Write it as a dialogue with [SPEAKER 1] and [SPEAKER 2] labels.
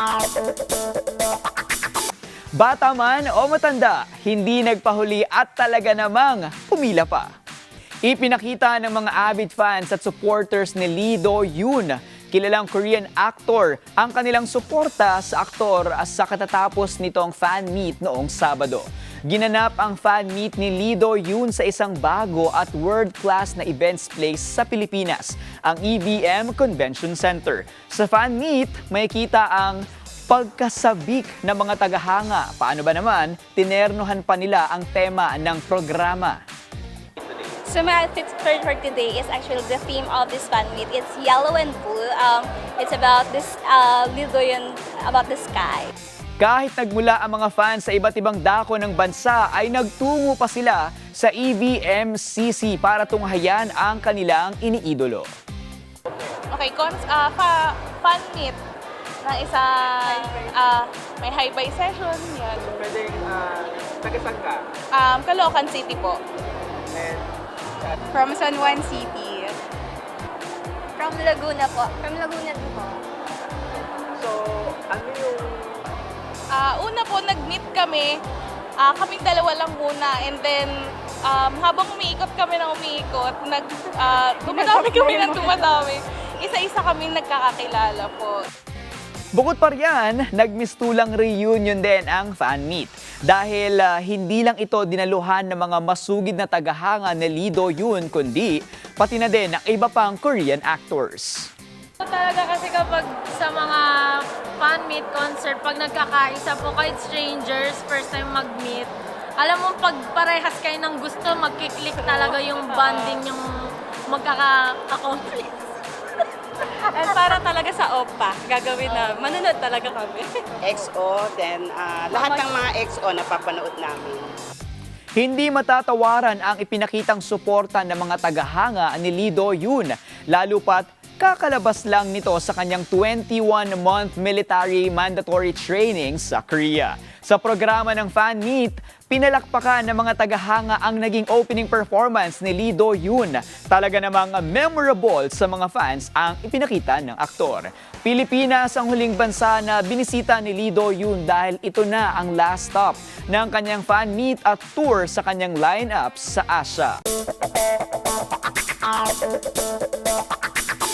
[SPEAKER 1] Bata man o matanda, hindi nagpahuli at talaga namang pumila pa. Ipinakita ng mga avid fans at supporters ni Lee Do-yoon, kilalang Korean actor, ang kanilang suporta sa aktor sa katatapos nitong fan meet noong Sabado. Ginanap ang fan meet ni Lee Do-yoon sa isang bago at world-class na events place sa Pilipinas, ang EVM Convention Center. Sa fan meet, may kita ang pagkasabik ng mga tagahanga. Paano ba naman, tinernohan pa nila ang tema ng programa.
[SPEAKER 2] So my outfit for today is actually the theme of this fan meet. It's yellow and blue. It's about this Lidoyon, about the sky.
[SPEAKER 1] Kahit nagmula ang mga fans sa iba't ibang dako ng bansa, ay nagtungo pa sila sa EVMCC para tunghayan ang kanilang iniidolo.
[SPEAKER 3] Okay, fan meet na isang may high-buy session. Yan.
[SPEAKER 1] Pwede, taga-saan ka?
[SPEAKER 3] Caloocan City po.
[SPEAKER 2] From San Juan City. From Laguna po. From Laguna din po.
[SPEAKER 1] So, ano yung...
[SPEAKER 3] Una po, nag-meet kami. Kaming dalawa lang muna. And then, habang umiikot kami ng umiikot, dumadami kami ng dumadami. Isa-isa kami nagkakakilala po.
[SPEAKER 1] Bukod pa riyan, nagmistulang reunion din ang fan meet. Dahil hindi lang ito dinaluhan ng mga masugid na tagahanga ni Lee Do-yoon, kundi pati na din ng iba pang Korean actors.
[SPEAKER 4] Talaga kasi kapag sa mga fan meet concert, pag nagkakaisa po kahit strangers, first time mag-meet, alam mo pag parehas kayo ng gusto, magkiklik talaga yung bonding yung magkaka-accomplish.
[SPEAKER 3] And para talaga sa OPA, gagawin na, manunod talaga kami.
[SPEAKER 5] XO, then lahat ng mga XO na papanood namin.
[SPEAKER 1] Hindi matatawaran ang ipinakitang suporta ng mga tagahanga ni Lee Do-yoon, lalo pat kakalabas lang nito sa kanyang 21-month military mandatory training sa Korea. Sa programa ng fan meet, pinalakpakan ng mga tagahanga ang naging opening performance ni Lee Do-yoon. Talaga namang memorable sa mga fans ang ipinakita ng aktor. Pilipinas ang huling bansa na binisita ni Lee Do-yoon dahil ito na ang last stop ng kanyang fan meet at tour sa kanyang lineup sa Asia.